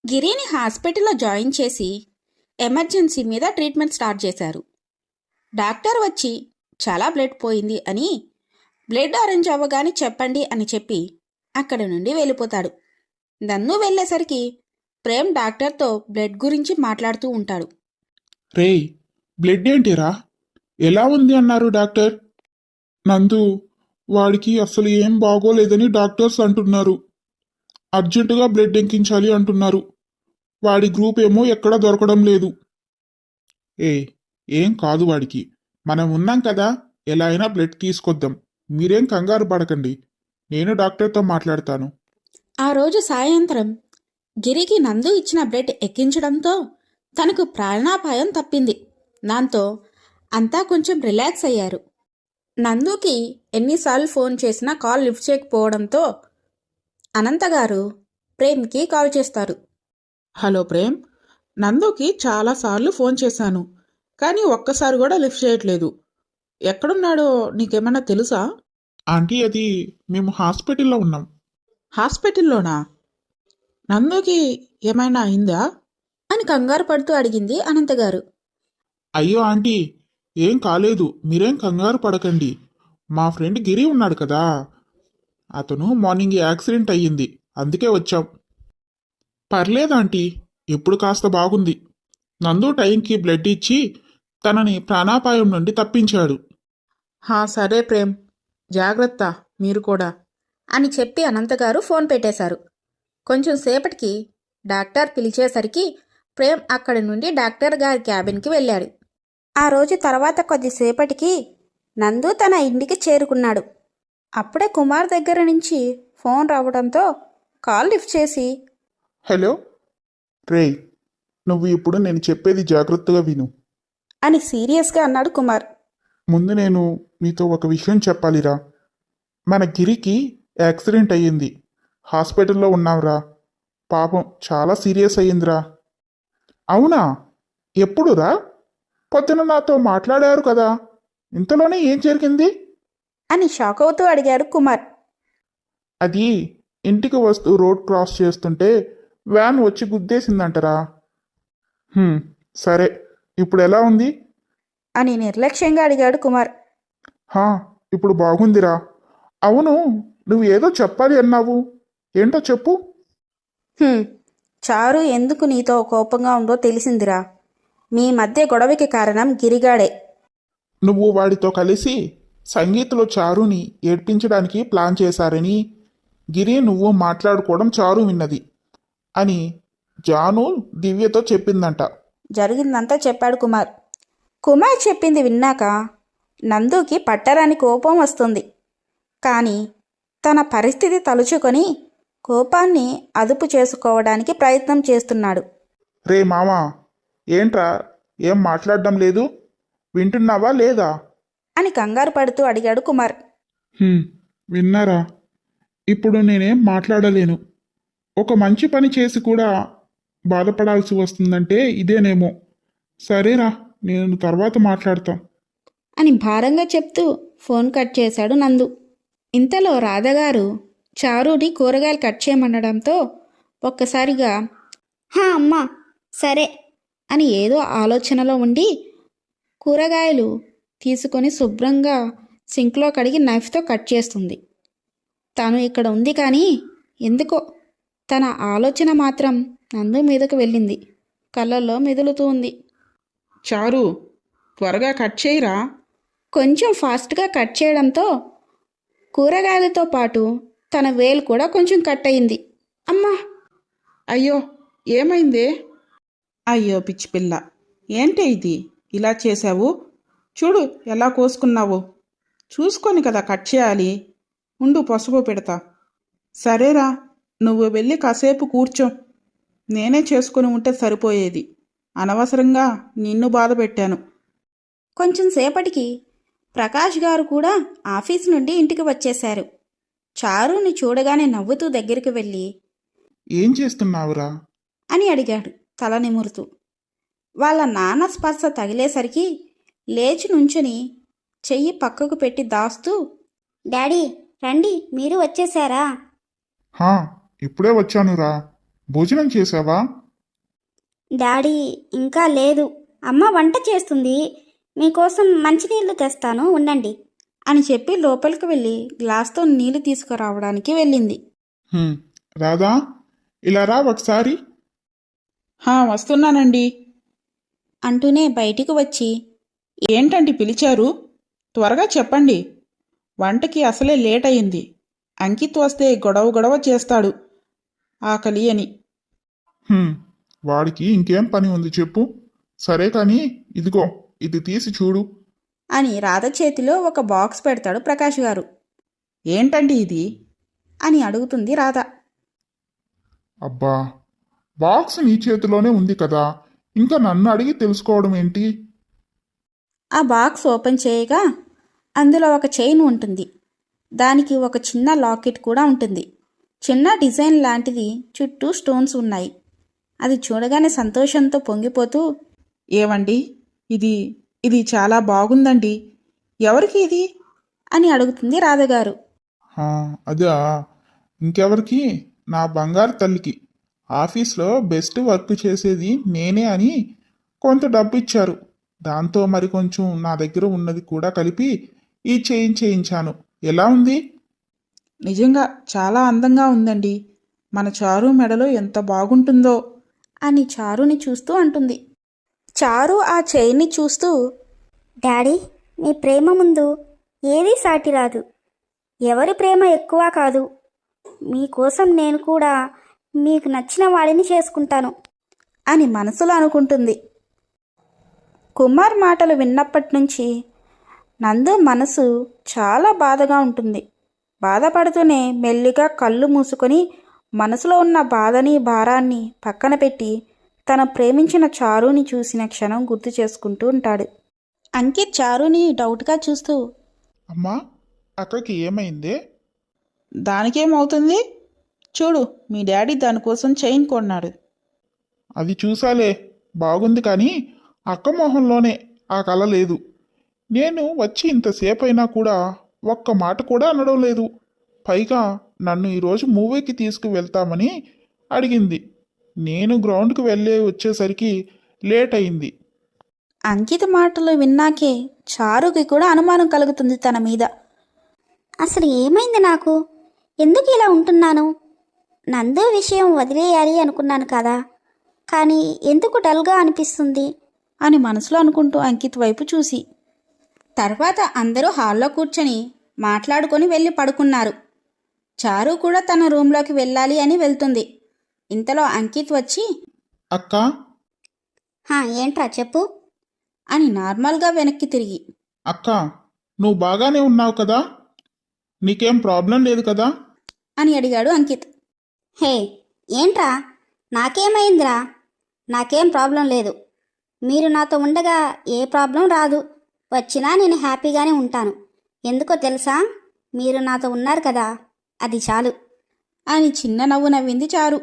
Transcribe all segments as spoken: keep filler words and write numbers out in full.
గిరిని హాస్పిటల్లో జాయిన్ చేసి ఎమర్జెన్సీ మీద ట్రీట్మెంట్ స్టార్ట్ చేశారు. డాక్టర్ వచ్చి చాలా బ్లడ్ పోయింది అని, బ్లడ్ అరేంజ్ అవ్వగానే చెప్పండి అని చెప్పి అక్కడి నుండి వెళ్ళిపోతాడు. నన్ను వెళ్ళేసరికి ప్రేమ్ డాక్టర్తో బ్లడ్ గురించి మాట్లాడుతూ ఉంటాడు. రేయ్, బ్లడ్ ఏంటిరా? ఎలా ఉంది అన్నారు డాక్టర్? నందు, వాడికి అసలు ఏం బాగోలేదని డాక్టర్స్ అంటున్నారు. అర్జెంటుగా బ్లడ్ ఎక్కించాలి అంటున్నారు. వాడి గ్రూప్ ఏమో ఎక్కడా దొరకడం లేదు. ఏ ఏం కాదు వాడికి, మనం ఉన్నాం కదా, ఎలా అయినా బ్లడ్ తీసుకొద్దాం. మీరేం కంగారు పడకండి, నేను డాక్టర్తో మాట్లాడతాను. ఆ రోజు సాయంత్రం గిరికి నందు ఇచ్చిన బ్లడ్ ఎక్కించడంతో తనకు ప్రాణాపాయం తప్పింది. దాంతో అంతా కొంచెం రిలాక్స్ అయ్యారు. నందుకి ఎన్నిసార్లు ఫోన్ చేసినా కాల్ లిఫ్ట్ చేయకపోవడంతో అనంతగారు ప్రేమ్కి కాల్ చేస్తారు. హలో ప్రేమ్, నందుకి చాలాసార్లు ఫోన్ చేశాను, కానీ ఒక్కసారి కూడా లిఫ్ట్ చేయట్లేదు. ఎక్కడున్నాడో నీకేమన్నా తెలుసా? ఆంటీ, అది మేము హాస్పిటల్లో ఉన్నాం. హాస్పిటల్లోనా? నందుకి ఏమైనా అయిందా? అని కంగారు పడుతూ అడిగింది అనంతగారు. అయ్యో ఆంటీ, ఏం కాలేదు, మీరేం కంగారు పడకండి. మా ఫ్రెండ్ గిరి ఉన్నాడు కదా, అతను మార్నింగ్ యాక్సిడెంట్ అయ్యింది, అందుకే వచ్చాం. పర్లేదు ఆంటీ, ఇప్పుడు కాస్త బాగుంది. నందు టైంకి బ్లడ్ ఇచ్చి తనని ప్రాణాపాయం నుండి తప్పించాడు. హా సరే ప్రేమ్, జాగ్రత్త మీరు కూడా అని చెప్పి అనంతగారు ఫోన్ పెట్టేశారు. కొంచెం సేపటికి డాక్టర్ పిలిచేసరికి ప్రేమ్ అక్కడి నుండి డాక్టర్ గారి క్యాబిన్కి వెళ్ళాడు. ఆ రోజు తర్వాత కొద్దిసేపటికి నందు తన ఇంటికి చేరుకున్నాడు. అప్పుడే కుమార్ దగ్గర నుంచి ఫోన్ రావడంతో కాల్ లిఫ్ట్ చేసి, హలో రేయ్, నువ్వు ఇప్పుడు నేను చెప్పేది జాగ్రత్తగా విను. అని సీరియస్గా అన్నాడు కుమార్. ముందు నేను మీతో ఒక విషయం చెప్పాలిరా. మన గిరికి యాక్సిడెంట్ అయ్యింది, హాస్పిటల్లో ఉన్నాంరా. పాపం చాలా సీరియస్ అయ్యిందిరా. అవునా? ఎప్పుడురా? పొద్దున నాతో మాట్లాడారు కదా, ఇంతలోనే ఏం జరిగింది? అని షాక్ అవుతూ అడిగాడు కుమార్. అది ఇంటికి వస్తూ రోడ్ క్రాస్ చేస్తుంటే వ్యాన్ వచ్చి గుద్దేసిందంటరా. "హ్మ్, సరే, ఇప్పుడు ఎలా ఉంది?" అని నిర్లక్ష్యంగా అడిగాడు కుమార్. హా, ఇప్పుడు బాగుందిరా. అవును, నువ్వు ఏదో చెప్పాలి అన్నావు, ఏంటో చెప్పు. "హ్మ్, చారు ఎందుకు నీతో కోపంగా ఉందో తెలిసిందిరా. మీ మధ్య గొడవకి కారణం గిరిగాడే. నువ్వు వాడితో కలిసి సంగీత్లో చారుని ఏడ్పించడానికి ప్లాన్ చేశారని గిరి నువ్వు మాట్లాడుకోవడం చారు విన్నది అని జాను దివ్యతో చెప్పిందంట. జరిగిందంతా చెప్పాడు కుమార్. కుమార్ చెప్పింది విన్నాక నందుకి పట్టరాని కోపం వస్తుంది. కానీ తన పరిస్థితి తలుచుకొని కోపాన్ని అదుపు చేసుకోవడానికి ప్రయత్నం చేస్తున్నాడు. రే మామా, ఏంట్రా ఏం మాట్లాడడం లేదు, వింటున్నావా లేదా? అని కంగారు పడుతూ అడిగాడు కుమార్. "హ్మ్, విన్నారా? ఇప్పుడు నేనేం మాట్లాడలేను. ఒక మంచి పని చేసి కూడా బాధపడాల్సి వస్తుందంటే ఇదేనేమో. సరేరా, నేను తర్వాత మాట్లాడతా." అని భారంగా చెప్తూ ఫోన్ కట్ చేశాడు నందు. ఇంతలో రాధగారు చారుని కూరగాయలు కట్ చేయమనడంతో ఒక్కసారిగా "హా అమ్మా, సరే" అని ఏదో ఆలోచనలో ఉండి కూరగాయలు తీసుకొని శుభ్రంగా సింక్లో కడిగి నైఫ్తో కట్ చేస్తుంది. తను ఇక్కడ ఉంది కానీ ఎందుకో తన ఆలోచన మాత్రం నందు మీదకు వెళ్ళింది. కళ్ళల్లో మెదులుతూ ఉంది. చారు, త్వరగా కట్ చేయరా. కొంచెం ఫాస్ట్గా కట్ చేయడంతో కూరగాయలతో పాటు తన వేలు కూడా కొంచెం కట్ అయింది. అమ్మా! అయ్యో, ఏమైందే? అయ్యో పిచ్చి పిల్ల, ఏంటే ఇది ఇలా చేశావు? చూడు ఎలా కోసుకున్నావో. చూసుకొని కదా కట్ చేయాలి. ఉండు, పసుపు పెడతా. సరేరా, నువ్వు వెళ్ళి కాసేపు కూర్చో. నేనే చేసుకుని ఉంటే సరిపోయేది. అనవసరంగా నిన్ను బాధ పెట్టాను. కొంచెం సేపటికి ప్రకాష్ గారు కూడా ఆఫీస్ నుండి ఇంటికి వచ్చేశారు. చారుని చూడగానే నవ్వుతూ దగ్గరికి వెళ్ళి ఏం చేస్తున్నావురా? అని అడిగాడు తల నిమురుతూ. వాళ్ళ నాన్న స్పర్శ తగిలేసరికి లేచి నుంచుని చెయ్యి పక్కకు పెట్టి దాస్తూ, డాడీ రండి, మీరు వచ్చేసారా? హా, ఇప్పుడే వచ్చానురా. భోజనం చేసావా? డాడీ ఇంకా లేదు. అమ్మ వంట చేస్తుంది. మీకోసం మంచినీళ్ళు తెస్తాను, ఉండండి. అని చెప్పి లోపలికి వెళ్ళి గ్లాస్తో నీళ్లు తీసుకురావడానికి వెళ్ళింది. హ్మ్, రాధా, ఇలా రా ఒకసారి. హా వస్తున్నానండి. అంటూనే బయటికి వచ్చి, ఏంటండి పిలిచారు? త్వరగా చెప్పండి. వంటకి అసలే లేట్ అయింది. అంకిత్ వస్తే గొడవ గొడవ చేస్తాడు ఆకలి అని. హ్మ్, వాడికి ఇంకేం పని ఉంది చెప్పు. సరే కానీ ఇదిగో ఇది తీసి చూడు. అని రాధ చేతిలో ఒక బాక్స్ పెడతాడు ప్రకాష్ గారు. ఏంటండి ఇది? అని అడుగుతుంది రాధ. అబ్బా, బాక్స్ నీ చేతిలోనే ఉంది కదా, ఇంకా నన్ను అడిగి తెలుసుకోవడం ఏంటి? ఆ బాక్స్ ఓపెన్ చేయగా అందులో ఒక చైన్ ఉంటుంది. దానికి ఒక చిన్న లాకెట్ కూడా ఉంటుంది. చిన్న డిజైన్ లాంటిది, చుట్టూ స్టోన్స్ ఉన్నాయి. అది చూడగానే సంతోషంతో పొంగిపోతూ, ఏవండి, ఇది ఇది చాలా బాగుందండి. ఎవరికి ఇది? అని అడుగుతుంది రాధగారు. హా, అదా, ఇంకెవరికి? నా బంగారు తల్లికి. ఆఫీస్లో బెస్ట్ వర్క్ చేసేది నేనే అని కొంత డబ్బు ఇచ్చారు. దాంతో మరి కొంచెం నా దగ్గర ఉన్నది కూడా కలిపి ఈ చేయింగ్ చేయించాను. ఎలా ఉంది? నిజంగా చాలా అందంగా ఉందండి. మన చారు మెడలో ఎంత బాగుంటుందో. అని చారుని చూస్తూ అంటుంది. చారు ఆ చైన్ని చూస్తూ, డాడీ, మీ ప్రేమ ముందు ఏదీ సాటి రాదు. ఎవరి ప్రేమ ఎక్కువ కాదు. మీకోసం నేను కూడా మీకు నచ్చిన వాడిని చేసుకుంటాను. అని మనసులో అనుకుంటుంది. కుమార్ మాటలు విన్నప్పటి నుంచి నందు మనసు చాలా బాధగా ఉంటుంది. బాధపడుతూనే మెల్లిగా కళ్ళు మూసుకొని మనసులో ఉన్న బాధని భారాన్ని పక్కన పెట్టి తన ప్రేమించిన చారుని చూసిన క్షణం గుర్తు చేసుకుంటూ ఉంటాడు. అంకిత్ చారుని డౌట్గా చూస్తూ, అమ్మా, అక్కకి ఏమైందే? దానికేమవుతుంది? చూడు, మీ డాడీ దానికోసం చైన్ కొన్నాడు. అది చూసాలే, బాగుంది కానీ అక్క మొహంలోనే ఆ కళ లేదు. నేను వచ్చి ఇంతసేపు అయినా కూడా ఒక్క మాట కూడా అనడం లేదు. పైగా నన్ను ఈరోజు మూవీకి తీసుకువెళ్తామని అడిగింది. నేను గ్రౌండ్కి వెళ్ళే వచ్చేసరికి లేట్ అయింది. అంకిత్ మాటలు విన్నాకే చారుకి కూడా అనుమానం కలుగుతుంది తన మీద. అసలు ఏమైంది నాకు? ఎందుకు ఇలా ఉంటున్నాను? నందు విషయం వదిలేయాలి అనుకున్నాను కదా, కానీ ఎందుకు డల్గా అనిపిస్తుంది? అని మనసులో అనుకుంటూ అంకిత్ వైపు చూసి, తర్వాత అందరూ హాల్లో కూర్చొని మాట్లాడుకొని వెళ్ళి పడుకున్నారు. చారు కూడా తన రూంలోకి వెళ్ళాలి అని వెళ్తుంది. ఇంతలో అంకిత్ వచ్చి, అక్క, హా ఏంట్రా చెప్పు. అని నార్మల్గా వెనక్కి తిరిగి, అక్క, నువ్వు బాగానే ఉన్నావు కదా? నీకేం ప్రాబ్లం లేదు కదా? అని అడిగాడు అంకిత్. హే ఏంట్రా, నాకేమైందిరా? నాకేం ప్రాబ్లం లేదు. మీరు నాతో ఉండగా ఏ ప్రాబ్లం రాదు. వచ్చినా నేను హ్యాపీగానే ఉంటాను. ఎందుకో తెలుసా? మీరు నాతో ఉన్నారు కదా, అది చాలు. అని చిన్న నవ్వు నవ్వింది చారు.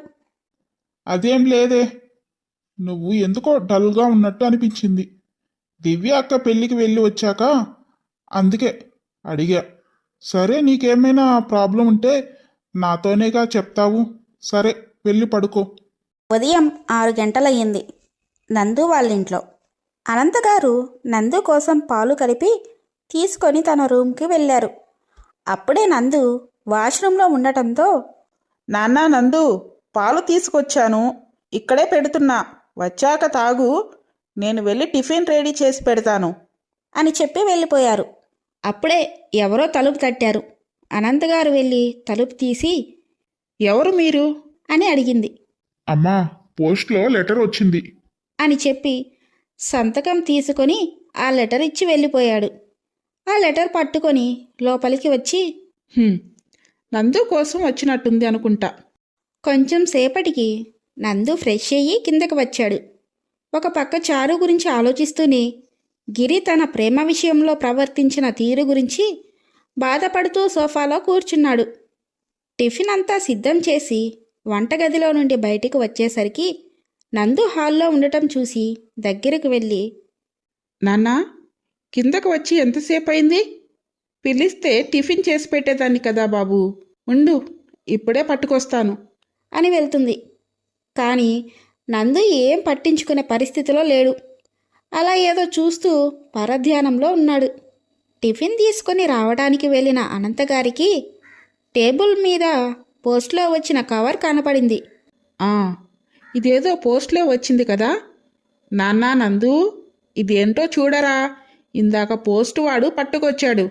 అదేం లేదే, నువ్వు ఎందుకో డల్గా ఉన్నట్టు అనిపించింది. దివ్య అక్క పెళ్ళికి వెళ్ళి వచ్చాక అందుకే అడిగా. సరే, నీకేమైనా ప్రాబ్లం ఉంటే నాతోనేగా చెప్తావు. సరే, వెళ్ళి పడుకో. ఉదయం ఆరు గంటలయ్యింది. నందు వాళ్ళింట్లో. అనంతగారు నందు కోసం పాలు కలిపి తీసుకొని తన రూమ్కి వెళ్ళారు. అప్పుడే నందు వాష్రూమ్లో ఉండటంతో, నాన్నా నందు, పాలు తీసుకొచ్చాను, ఇక్కడే పెడుతున్నా, వచ్చాక తాగు. నేను వెళ్ళి టిఫిన్ రెడీ చేసి పెడతాను అని చెప్పి వెళ్ళిపోయారు. అప్పుడే ఎవరో తలుపు తట్టారు. అనంతగారు వెళ్ళి తలుపు తీసి, ఎవరు మీరు? అని అడిగింది. అమ్మా, పోస్ట్లో లెటర్ వచ్చింది అని చెప్పి సంతకం తీసుకొని ఆ లెటర్ ఇచ్చి వెళ్ళిపోయాడు. ఆ లెటర్ పట్టుకొని లోపలికి వచ్చి, హ్మ్, నందు కోసం వచ్చినట్టుంది అనుకుంటా. కొంచెం సేపటికి నందు ఫ్రెష్ అయ్యి కిందకి వచ్చాడు. ఒక పక్క చారు గురించి ఆలోచిస్తూనే గిరి తన ప్రేమ విషయంలో ప్రవర్తించిన తీరు గురించి బాధపడుతూ సోఫాలో కూర్చున్నాడు. టిఫిన్ అంతా సిద్ధం చేసి వంటగదిలో నుండి బయటికి వచ్చేసరికి నందు హాల్లో ఉండటం చూసి దగ్గరకు వెళ్ళి, నాన్నా, కిందకు వచ్చి ఎంతసేపు అయింది? పిలిస్తే టిఫిన్ చేసి పెట్టేదాన్ని కదా బాబు. ఉండు, ఇప్పుడే పట్టుకొస్తాను అని వెళ్తుంది. కానీ నందు ఏం పట్టించుకునే పరిస్థితిలో లేడు. అలా ఏదో చూస్తూ పరధ్యానంలో ఉన్నాడు. టిఫిన్ తీసుకొని రావడానికి వెళ్ళిన అనంతగారికి టేబుల్ మీద పోస్ట్లో వచ్చిన కవర్ కనపడింది. ఆ, ఇదేదో పోస్ట్లో వచ్చింది కదా. నాన్నా నందు, ఇదేంటో చూడరా, ఇందాక పోస్ట్ వాడు పట్టుకొచ్చాడు.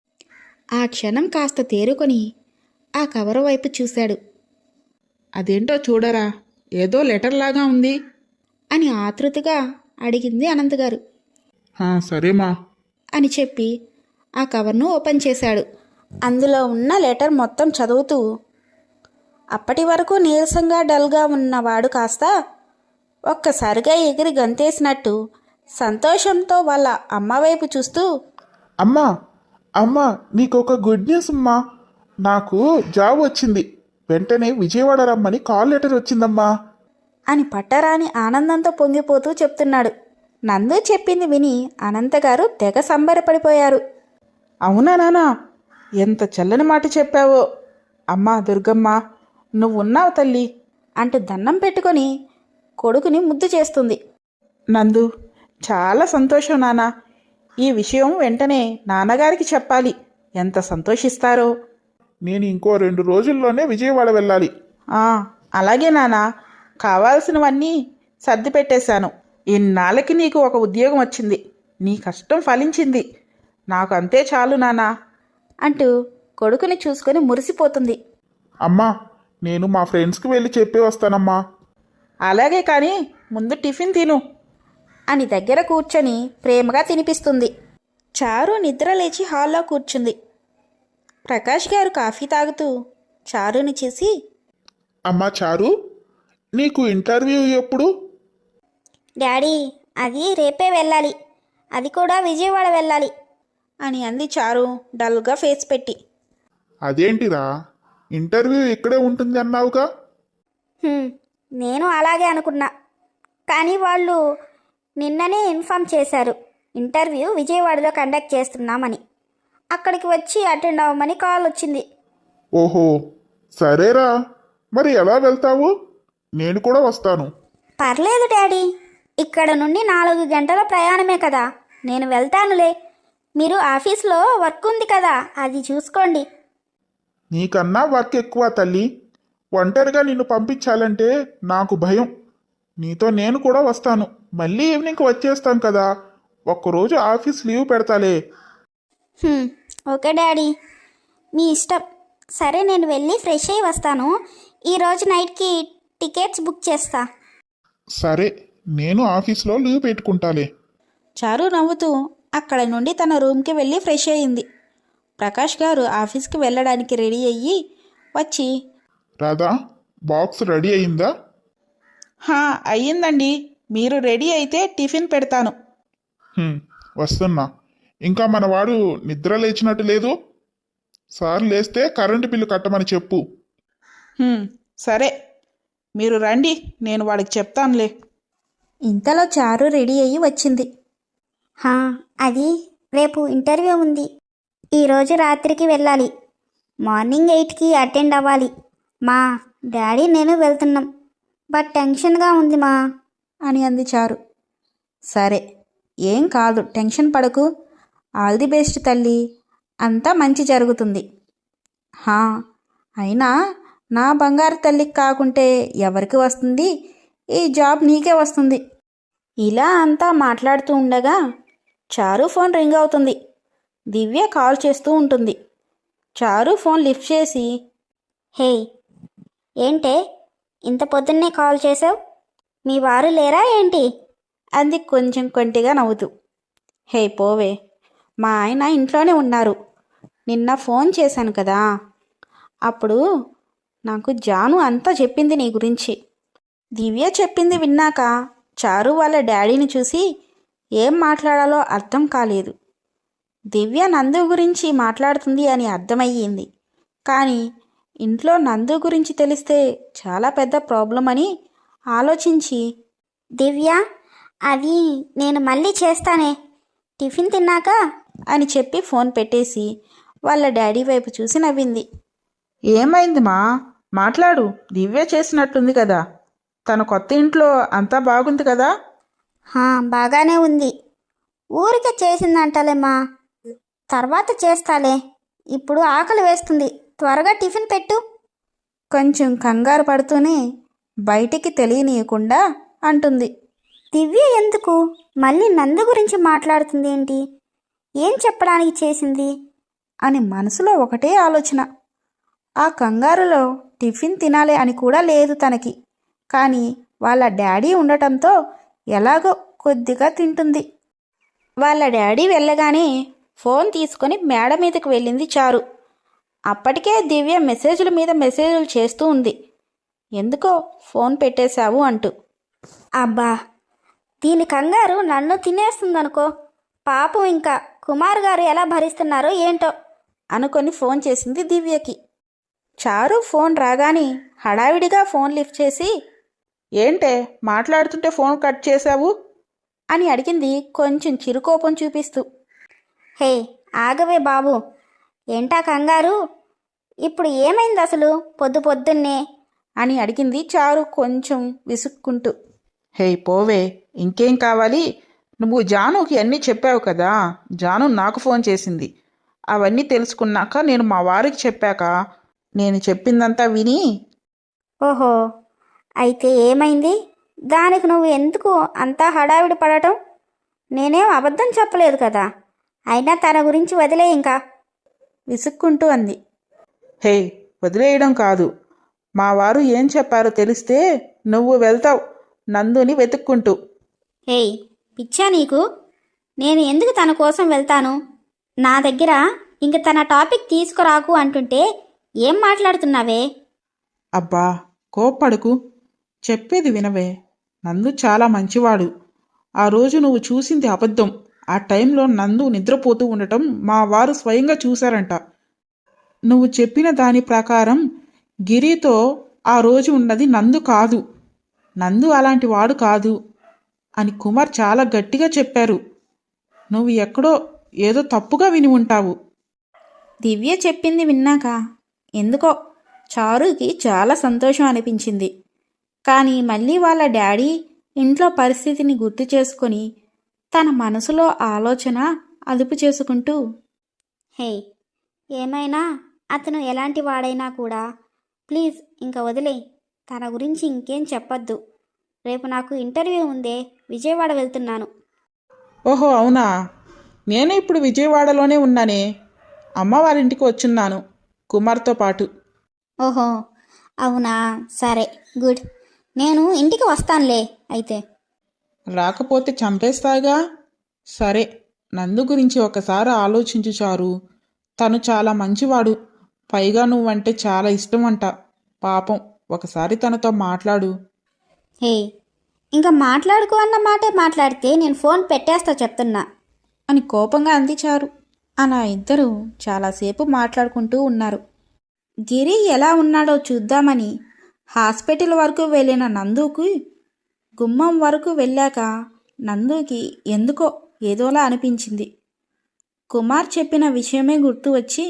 ఆ క్షణం కాస్త తేరుకొని ఆ కవర్ వైపు చూశాడు. అదేంటో చూడరా, ఏదో లెటర్ లాగా ఉంది. అని ఆతృతగా అడిగింది అనంతగారు. "హా, సరేమా." అని చెప్పి ఆ కవర్ను ఓపెన్ చేశాడు. అందులో ఉన్న లెటర్ మొత్తం చదువుతూ అప్పటి వరకు నీరసంగా డల్గా ఉన్నవాడు కాస్త ఒక్కసారిగా ఎగిరి గంతేసినట్టు సంతోషంతో వాళ్ళ అమ్మ వైపు చూస్తూ, అమ్మా అమ్మా నీకు ఒక గుడ్ న్యూస్ అమ్మా. నాకు జాబ్ వచ్చింది. వెంటనే విజయవాడ రమ్మని కాల్ లెటర్ వచ్చిందమ్మా. అని పట్టరాని ఆనందంతో పొంగిపోతూ చెప్తున్నాడు. నందు చెప్పింది విని అనంతగారు తెగ సంబరపడిపోయారు. అవునా నానా, ఎంత చల్లని మాట చెప్పావో. అమ్మా దుర్గమ్మ, నువ్వున్నావు తల్లి అంటూ దండం పెట్టుకొని కొడుకుని ముద్దు చేస్తుంది. నందు, చాలా సంతోషం నానా. ఈ విషయం వెంటనే నాన్నగారికి చెప్పాలి. ఎంత సంతోషిస్తారో. నేను ఇంకో రెండు రోజుల్లోనే విజయవాడ వెళ్ళాలి. ఆ, అలాగే నానా. కావాల్సినవన్నీ సర్ది పెట్టేశాను. ఇన్నాళ్ళకి నీకు ఒక ఉద్యోగం వచ్చింది. నీ కష్టం ఫలించింది. నాకు అంతే చాలు నానా అంటూ కొడుకుని చూసుకొని మురిసిపోతుంది. అమ్మా, నేను మా ఫ్రెండ్స్కి వెళ్ళి చెప్పి వస్తానమ్మా. అలాగే కానీ ముందు టిఫిన్ తిను. అని దగ్గర కూర్చొని ప్రేమగా తినిపిస్తుంది. చారు నిద్ర లేచి హాల్లో కూర్చుంది. ప్రకాష్ గారు కాఫీ తాగుతూ చారుని చూసి, అమ్మా చారు, నీకు ఇంటర్వ్యూ ఎప్పుడు? డాడీ, అది రేపే వెళ్ళాలి. అది కూడా విజయవాడ వెళ్ళాలి. అని అంది చారు డల్గా ఫేస్ పెట్టి. అదేంటిరా, ఇంటర్వ్యూ ఇక్కడే ఉంటుంది అన్నావుగా? హ్మ్, నేను అలాగే అనుకున్నా. కానీ వాళ్ళు నిన్ననే ఇన్ఫామ్ చేశారు, ఇంటర్వ్యూ విజయవాడలో కండక్ట్ చేస్తున్నామని. అక్కడికి వచ్చి అటెండ్ అవ్వమని కాల్ వచ్చింది. ఓహో, సరేరా. మరి ఎలా వెళ్తావు? నేను కూడా వస్తాను. పర్లేదు డాడీ, ఇక్కడ నుండి నాలుగు గంటల ప్రయాణమే కదా, నేను వెళ్తానులే. మీరు ఆఫీస్లో వర్క్ ఉంది కదా, అది చూసుకోండి. నీకన్నా వర్క్ ఎక్కువ తల్లి. ఒంటరిగా నిన్ను పంపించాలంటే నాకు భయం. నీతో నేను కూడా వస్తాను. మళ్ళీ ఈవినింగ్కి వచ్చేస్తాం కదా. ఒక్కరోజు ఆఫీస్ లీవ్ పెడతాలే. హ్మ్, ఓకే డాడీ, మీ ఇష్టం. సరే, నేను వెళ్ళి ఫ్రెష్ అయ్యి వస్తాను. ఈరోజు నైట్కి టికెట్స్ బుక్ చేస్తా. సరే, నేను ఆఫీస్లో లీవ్ పెట్టుకుంటాలే. చారు నవ్వుతూ అక్కడ నుండి తన రూమ్కి వెళ్ళి ఫ్రెష్ అయ్యింది. ప్రకాష్ గారు ఆఫీస్కి వెళ్ళడానికి రెడీ అయ్యి వచ్చి, రాధా, బాక్స్ రెడీ అయిందా? హా, అయ్యిందండి. మీరు రెడీ అయితే టిఫిన్ పెడతాను. హ్మ్, వస్తున్నా. ఇంకా మనవాడు నిద్ర లేచినట్టు లేదు. సార్ లేస్తే కరెంటు బిల్లు కట్టమని చెప్పు. హ్మ్, సరే, మీరు రండి, నేను వాడికి చెప్తానులే. ఇంతలో చారు రెడీ అయ్యి వచ్చింది. హా, అది రేపు ఇంటర్వ్యూ ఉంది. ఈరోజు రాత్రికి వెళ్ళాలి. మార్నింగ్ ఎయిట్కి అటెండ్ అవ్వాలి. మా డాడీ నేను వెళ్తున్నాం. బట్ టెన్షన్గా ఉంది మా అని అంది చారు. సరే, ఏం కాదు, టెన్షన్ పడకు. ఆల్ ది బెస్ట్ తల్లి, అంతా మంచి జరుగుతుంది. హా, అయినా నా బంగారు తల్లికి కాకుంటే ఎవరికి వస్తుంది? ఈ జాబ్ నీకే వస్తుంది. ఇలా అంతా మాట్లాడుతూ ఉండగా చారు ఫోన్ రింగ్ అవుతుంది. దివ్య కాల్ చేస్తూ ఉంటుంది. చారు ఫోన్ లిఫ్ట్ చేసి, హే, ఏంటే ఇంత పొద్దున్నే కాల్ చేసావు? మీ వారు లేరా ఏంటి? అంది కొంచెం కొంటిగా నవ్వుతూ. హే పోవే, మా ఆయన ఇంట్లోనే ఉన్నారు. నిన్న ఫోన్ చేశాను కదా, అప్పుడు నాకు జాను అంతా చెప్పింది నీ గురించి. దివ్య చెప్పింది విన్నాక చారు వాళ్ళ డాడీని చూసి ఏం మాట్లాడాలో అర్థం కాలేదు. దివ్య నందు గురించి మాట్లాడుతుంది అని అర్థమయ్యింది. కానీ ఇంట్లో నందు గురించి తెలిస్తే చాలా పెద్ద ప్రాబ్లం అని ఆలోచించి, దివ్య, అది నేను మళ్ళీ చేస్తానే, టిఫిన్ తిన్నాక అని చెప్పి ఫోన్ పెట్టేసి వాళ్ళ డాడీ వైపు చూసి నవ్వింది. ఏమైంది మా? మాట్లాడు, దివ్య చేసినట్టుంది కదా. తన కొత్త ఇంట్లో అంతా బాగుంది కదా? హా, బాగానే ఉంది. ఊరికే చేసిందంటలేమ్మా, తర్వాత చేస్తాలే. ఇప్పుడు ఆకలి వేస్తుంది, త్వరగా టిఫిన్ పెట్టు. కొంచెం కంగారు పడుతూనే బయటికి తెలియనీయకుండా అంటుంది. దివ్య ఎందుకు మళ్ళీ నందు గురించి మాట్లాడుతుంది ఏంటి? ఏం చెప్పడానికి చేసింది? అని మనసులో ఒకటే ఆలోచన. ఆ కంగారులో టిఫిన్ తినాలి అని కూడా లేదు తనకి. కానీ వాళ్ళ డాడీ ఉండటంతో ఎలాగో కొద్దిగా తింటుంది. వాళ్ళ డాడీ వెళ్ళగానే ఫోన్ తీసుకొని మేడ మీదకి వెళ్ళింది చారు. అప్పటికే దివ్య మెసేజ్ల మీద మెసేజ్లు చేస్తూ ఉంది, ఎందుకో ఫోన్ పెట్టేశావు అంటూ. అబ్బా, దీని కంగారు నన్ను తినేస్తుందనుకో. పాపం ఇంకా కుమార్ గారు ఎలా భరిస్తున్నారో ఏంటో అనుకొని ఫోన్ చేసింది దివ్యకి. చారు ఫోన్ రాగానే హడావిడిగా ఫోన్ లిఫ్ట్ చేసి, ఏంటే మాట్లాడుతుంటే ఫోన్ కట్ చేశావు? అని అడిగింది కొంచెం చిరుకోపం చూపిస్తూ. హే ఆగవే బాబు, ఏంటా కంగారు? ఇప్పుడు ఏమైంది అసలు పొద్దు పొద్దున్నే? అని అడిగింది చారు కొంచెం విసుక్కుంటూ. హే పోవే, ఇంకేం కావాలి? నువ్వు జానుకి అన్నీ చెప్పావు కదా. జాను నాకు ఫోన్ చేసింది. అవన్నీ తెలుసుకున్నాక నేను మా వారికి చెప్పాక నేను చెప్పిందంతా విని. ఓహో, అయితే ఏమైంది? దానికి నువ్వు ఎందుకు అంతా హడావిడి పడటం? నేనేం అబద్ధం చెప్పలేదు కదా. అయినా తన గురించి వదిలే ఇంకా. విసుక్కుంటూ అంది. హే వదిలేయడం కాదు, మా వారు ఏం చెప్పారో తెలిస్తే నువ్వు వెళ్తావు నందుని వెతుక్కుంటూ. హేయ్ పిచ్చా నీకు? నేను ఎందుకు తన కోసం వెళ్తాను? నా దగ్గర ఇంక తన టాపిక్ తీసుకురాకు అంటుంటే ఏం మాట్లాడుతున్నావే? అబ్బా కోప్పడకు, చెప్పేది వినవే. నందు చాలా మంచివాడు. ఆ రోజు నువ్వు చూసింది అబద్ధం. ఆ టైంలో నందు నిద్రపోతూ ఉండటం మా వారు స్వయంగా చూశారంట. నువ్వు చెప్పిన దాని ప్రకారం గిరితో ఆ రోజు ఉన్నది నందు కాదు. నందు అలాంటి వాడు కాదు అని కుమార్ చాలా గట్టిగా చెప్పారు. నువ్వు ఎక్కడో ఏదో తప్పుగా విని ఉంటావు. దివ్య చెప్పింది విన్నాక ఎందుకో చారుకి చాలా సంతోషం అనిపించింది. కానీ మళ్ళీ వాళ్ళ డాడీ ఇంట్లో పరిస్థితిని గుర్తు చేసుకొని తన మనసులో ఆలోచన అదుపు చేసుకుంటూ, హే ఏమైనా అతను ఎలాంటి వాడైనా కూడా ప్లీజ్ ఇంకా వదిలే. తన గురించి ఇంకేం చెప్పొద్దు. రేపు నాకు ఇంటర్వ్యూ ఉందే, విజయవాడ వెళ్తున్నాను. ఓహో అవునా, నేను ఇప్పుడు విజయవాడలోనే ఉన్నానే. అమ్మవారింటికి వచ్చున్నాను కుమార్తో పాటు. ఓహో అవునా, సరే గుడ్. నేను ఇంటికి వస్తానులే అయితే. రాకపోతే చంపేస్తాగా. సరే, నందు గురించి ఒకసారి ఆలోచించు చారు. తను చాలా మంచివాడు. పైగా నువ్వంటే చాలా ఇష్టం అంట. పాపం, ఒకసారి తనతో మాట్లాడు. హే ఇంకా మాట్లాడుకో అన్న మాటే మాట్లాడితే నేను ఫోన్ పెట్టేస్తా చెప్తున్నా. అని కోపంగా అంది చారు. అలా ఇద్దరు చాలాసేపు మాట్లాడుకుంటూ ఉన్నారు. గిరి ఎలా ఉన్నాడో చూద్దామని హాస్పిటల్ వరకు వెళ్ళిన నందుకి గుమ్మం వరకు వెళ్ళాక నందుకి ఎందుకో ఏదోలా అనిపించింది. కుమార్ చెప్పిన విషయమే గుర్తు వచ్చి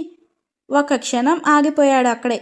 ఒక క్షణం ఆగిపోయాడు అక్కడే.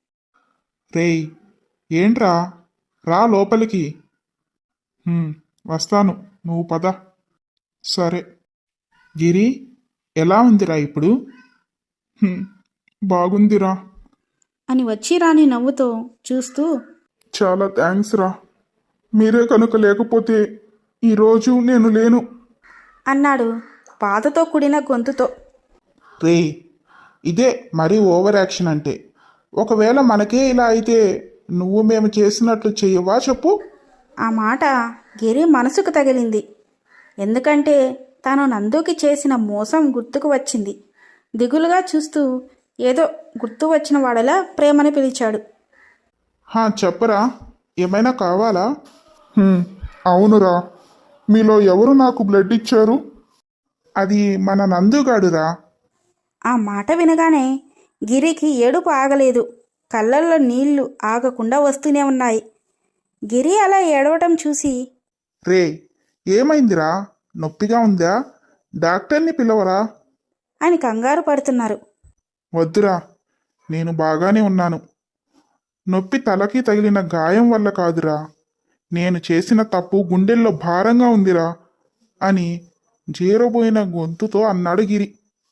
రేయ్ ఏంట్రా, రా లోపలికి. "హ్మ్, వస్తాను, నువ్వు పద." సరే. గిరి ఎలా ఉందిరా ఇప్పుడు? "హ్మ్, బాగుందిరా." అని వచ్చి రాని నవ్వుతో చూస్తూ, చాలా థ్యాంక్స్ రా, మీరే కనుక లేకపోతే ఈరోజు నేను లేను అన్నాడు బాధతో కూడిన గొంతుతో. రేయ్ ఇదే మరీ ఓవర్ యాక్షన్ అంటే. ఒకవేళ మనకే ఇలా అయితే నువ్వు మేము చేసినట్లు చెయ్యవా చెప్పు? ఆ మాట గిరి మనసుకు తగిలింది. ఎందుకంటే తాను నందుకి చేసిన మోసం గుర్తుకు వచ్చింది. దిగులుగా చూస్తూ ఏదో గుర్తు వచ్చిన వాడలా ప్రేమని పిలిచాడు. హా చెప్పరా, ఏమైనా కావాలా? "హ్మ్, అవునురా, మీలో ఎవరు నాకు బ్లడ్ ఇచ్చారు? అది మన నందుగాడురా." ఆ మాట వినగానే గిరికి ఏడుపు ఆగలేదు. కళ్ళల్లో నీళ్లు ఆగకుండా వస్తూనే ఉన్నాయి. గిరి అలా ఏడవటం చూసి, రే ఏమైందిరా, నొప్పిగా ఉందా? డాక్టర్ని పిలవరా? అని కంగారు పడుతున్నారు. వద్దురా, నేను బాగానే ఉన్నాను. నొప్పి తలకి తగిలిన గాయం వల్ల కాదురా, నేను చేసిన తప్పు గుండెల్లో భారంగా ఉందిరా అని జీరబోయిన గొంతుతో అన్నాడు గిరి.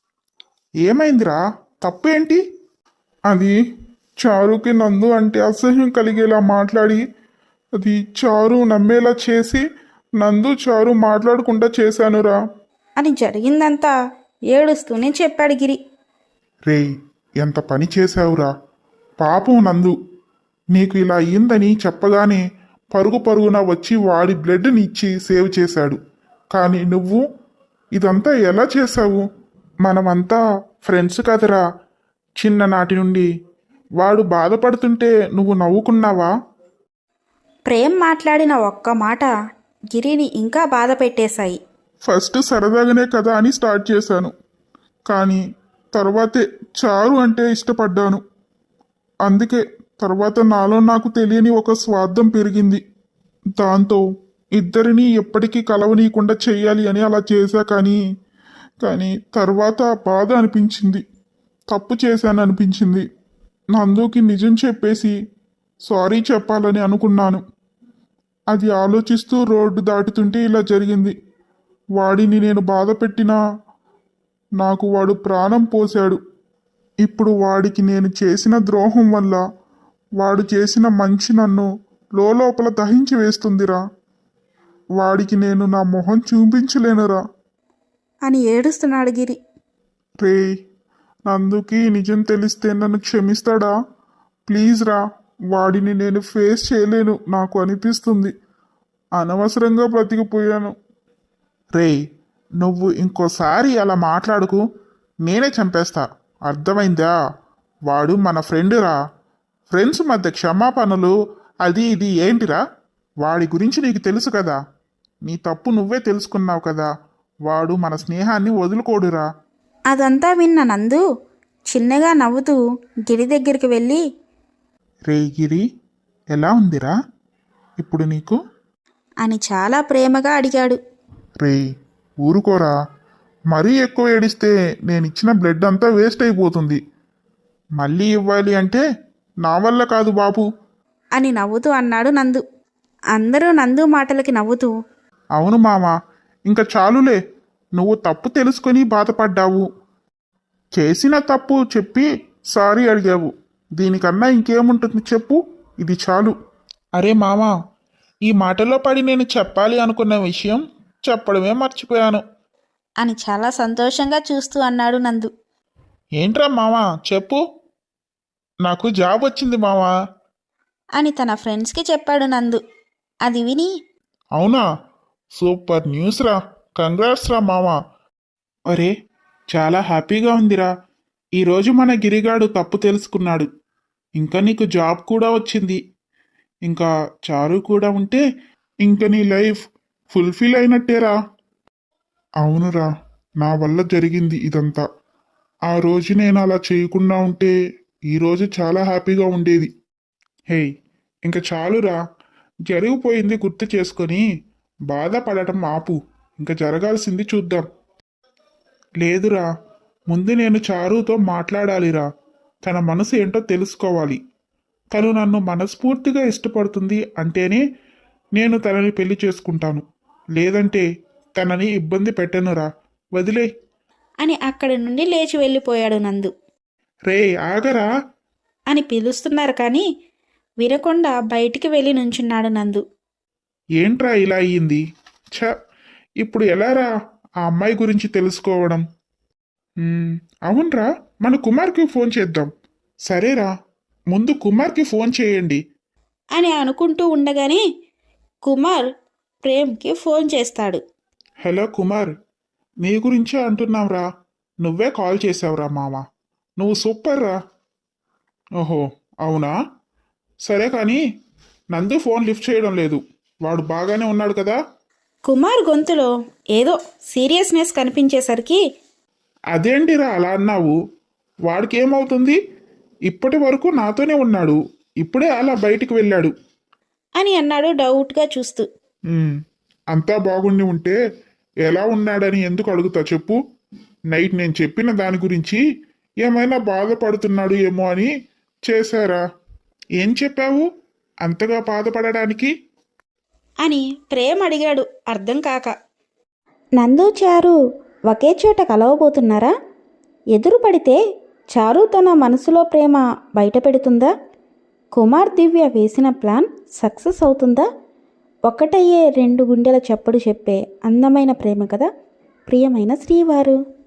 ఏమైందిరా, తప్పేంటి? అది చారుకి నందు అంటే అసహ్యం కలిగేలా మాట్లాడి, అది చారు నమ్మేలా చేసి నందు చారు మాట్లాడకుండా చేశానురా. అని జరిగిందంతా ఏడుస్తూనే చెప్పాడు గిరి. రేయ్, ఎంత పని చేశావురా. పాపం నందు, నీకు ఇలా అయ్యిందని చెప్పగానే పరుగు పరుగున వచ్చి వాడి బ్లడ్ని ఇచ్చి సేవ్ చేశాడు. కానీ నువ్వు ఇదంతా ఎలా చేశావు? మనమంతా ఫ్రెండ్స్ కదరా చిన్ననాటి నుండి. వాడు బాధపడుతుంటే నువ్వు నవ్వుకున్నావా? ప్రేమ్ మాట్లాడిన ఒక్క మాట గిరిని ఇంకా బాధ పెట్టేశాయి. ఫస్ట్ సరదాగానే కదా అని స్టార్ట్ చేశాను, కానీ తర్వాతే చారు అంటే ఇష్టపడ్డాను. అందుకే తర్వాత నాలో నాకు తెలియని ఒక స్వార్థం పెరిగింది. దాంతో ఇద్దరిని ఎప్పటికీ కలవనీయకుండా చెయ్యాలి అని అలా చేశా. కానీ కానీ తర్వాత బాధ అనిపించింది, తప్పు చేశాను అనిపించింది. నందుకి నిజం చెప్పేసి సారీ చెప్పాలని అనుకున్నాను. అది ఆలోచిస్తూ రోడ్డు దాటుతుంటే ఇలా జరిగింది. వాడిని నేను బాధ పెట్టినా నాకు వాడు ప్రాణం పోశాడు. ఇప్పుడు వాడికి నేను చేసిన ద్రోహం వల్ల వాడు చేసిన మంచి నన్ను లోపల దహించి వేస్తుందిరా. వాడికి నేను నా మొహం చూపించలేనురా అని ఏడుస్తున్నాడు గిరి. రే, నందుకి నిజం తెలిస్తే నన్ను క్షమిస్తాడా? ప్లీజ్ రా, వాడిని నేను ఫేస్ చేయలేను నాకు అనిపిస్తుంది. అనవసరంగా బ్రతికిపోయాను. రే, నువ్వు ఇంకోసారి అలా మాట్లాడుకు, నేనే చంపేస్తా, అర్థమైందా? వాడు మన ఫ్రెండురా. ఫ్రెండ్స్ మధ్య క్షమాపణలు అది ఇది ఏంటిరా? వాడి గురించి నీకు తెలుసు కదా, నీ తప్పు నువ్వే తెలుసుకున్నావు కదా. వాడు మన స్నేహాన్ని వదులుకోడురా. అదంతా విన్న నందు చిన్నగా నవ్వుతూ గిరి దగ్గరికి వెళ్ళి, రే గిరి, ఎలా ఉందిరా ఇప్పుడు నీకు అని చాలా ప్రేమగా అడిగాడు. రే, ఊరుకోరా. మరీ ఎక్కువ ఏడిస్తే నేను ఇచ్చిన బ్లడ్ అంతా వేస్ట్ అయిపోతుంది. మళ్ళీ ఇవ్వాలి అంటే నా వల్ల కాదు బాబు అని నవ్వుతూ అన్నాడు నందు. అందరూ నందు మాటలకి నవ్వుతూ, అవును మామా, ఇంకా చాలులే. నువ్వు తప్పు తెలుసుకొని బాధపడ్డావు, చేసిన తప్పు చెప్పి సారీ అడిగావు. దీనికన్నా ఇంకేముంటుంది చెప్పు, ఇది చాలు. అరే మామా, ఈ మాటలో పడి నేను చెప్పాలి అనుకున్న విషయం చెప్పడమే మర్చిపోయాను అని చాలా సంతోషంగా చూస్తూ అన్నాడు నందు. ఏంట్రా మామా, చెప్పు. నాకు జాబ్ వచ్చింది మామా అని తన ఫ్రెండ్స్కి చెప్పాడు నందు. అది విని, అవునా, సూపర్ న్యూస్ రా, కంగ్రాట్స్ రా మామా. అరే, చాలా హ్యాపీగా ఉందిరా. ఈరోజు మన గిరిగాడు తప్పు తెలుసుకున్నాడు, ఇంకా నీకు జాబ్ కూడా వచ్చింది. ఇంకా చారు కూడా ఉంటే ఇంక నీ లైఫ్ ఫుల్ఫిల్ అయినట్టేరా. అవునురా, నా వల్ల జరిగింది ఇదంతా. ఆ రోజు నేను అలా చేయకుండా ఉంటే ఈరోజు చాలా హ్యాపీగా ఉండేది. హే, ఇంక చాలురా, జరిగిపోయింది గుర్తు చేసుకొని బాధపడటం ఆపు. ఇంకా జరగాల్సింది చూద్దాం. లేదురా, ముందు నేను చారుతో మాట్లాడాలిరా. తన మనసు ఏంటో తెలుసుకోవాలి. తను నన్ను మనస్ఫూర్తిగా ఇష్టపడుతుంది అంటేనే నేను తనని పెళ్లి చేసుకుంటాను, లేదంటే తనని ఇబ్బంది పెట్టనురా, వదిలే అని అక్కడి నుండి లేచి వెళ్ళిపోయాడు నందు. రే ఆగరా అని పిలుస్తున్నారు కానీ వినకుండా బయటికి వెళ్ళి నుంచున్నాడు నందు. ఏంట్రా ఇలా అయ్యింది? ఛ, ఇప్పుడు ఎలారా ఆ అమ్మాయి గురించి తెలుసుకోవడం? మ్మ్, అవునరా, మన కుమార్కి ఫోన్ చేద్దాం. సరేరా, ముందు కుమార్కి ఫోన్ చేయండి అని అనుకుంటూ ఉండగానే కుమార్ ప్రేమ్కి ఫోన్ చేస్తాడు. హలో కుమార్, నీ గురించే అంటున్నాంరా. నువ్వే కాల్ చేసావురా మామ, నువ్వు సూపర్ రా. ఓహో, అవునా? సరే కానీ నందు ఫోన్ లిఫ్ట్ చేయడం లేదు. వాడు బాగానే ఉన్నాడు కదా? కుమార్ గొంతులో ఏదో సీరియస్నెస్ కనిపించేసరికి, అదేంటిరా అలా అన్నావు? వాడికి ఏమవుతుంది? ఇప్పటి వరకు నాతోనే ఉన్నాడు, ఇప్పుడే అలా బయటికి వెళ్ళాడు అని అన్నాడు డౌట్గా చూస్తూ. "ఉమ్, అంతా బాగుండి ఉంటే ఎలా ఉన్నాడని ఎందుకు అడుగుతా చెప్పు? నైట్ నేను చెప్పిన దాని గురించి ఏమైనా బాధపడుతున్నాడు ఏమో అని చేశారా? ఏం చెప్పావు అంతగా బాధపడడానికి?" అని ప్రేమ్ అడిగాడు అర్థం కాక. నందు చారు ఒకే చోట కలవబోతున్నారా? ఎదురు పడితే చారు తన మనసులో ప్రేమ బయట పెడుతుందా? కుమార్ దివ్య వేసిన ప్లాన్ సక్సెస్ అవుతుందా? ఒక్కటయ్యే రెండు గుండెల చప్పుడు చెప్పే అందమైన ప్రేమ కదా ప్రియమైన శ్రీవారు.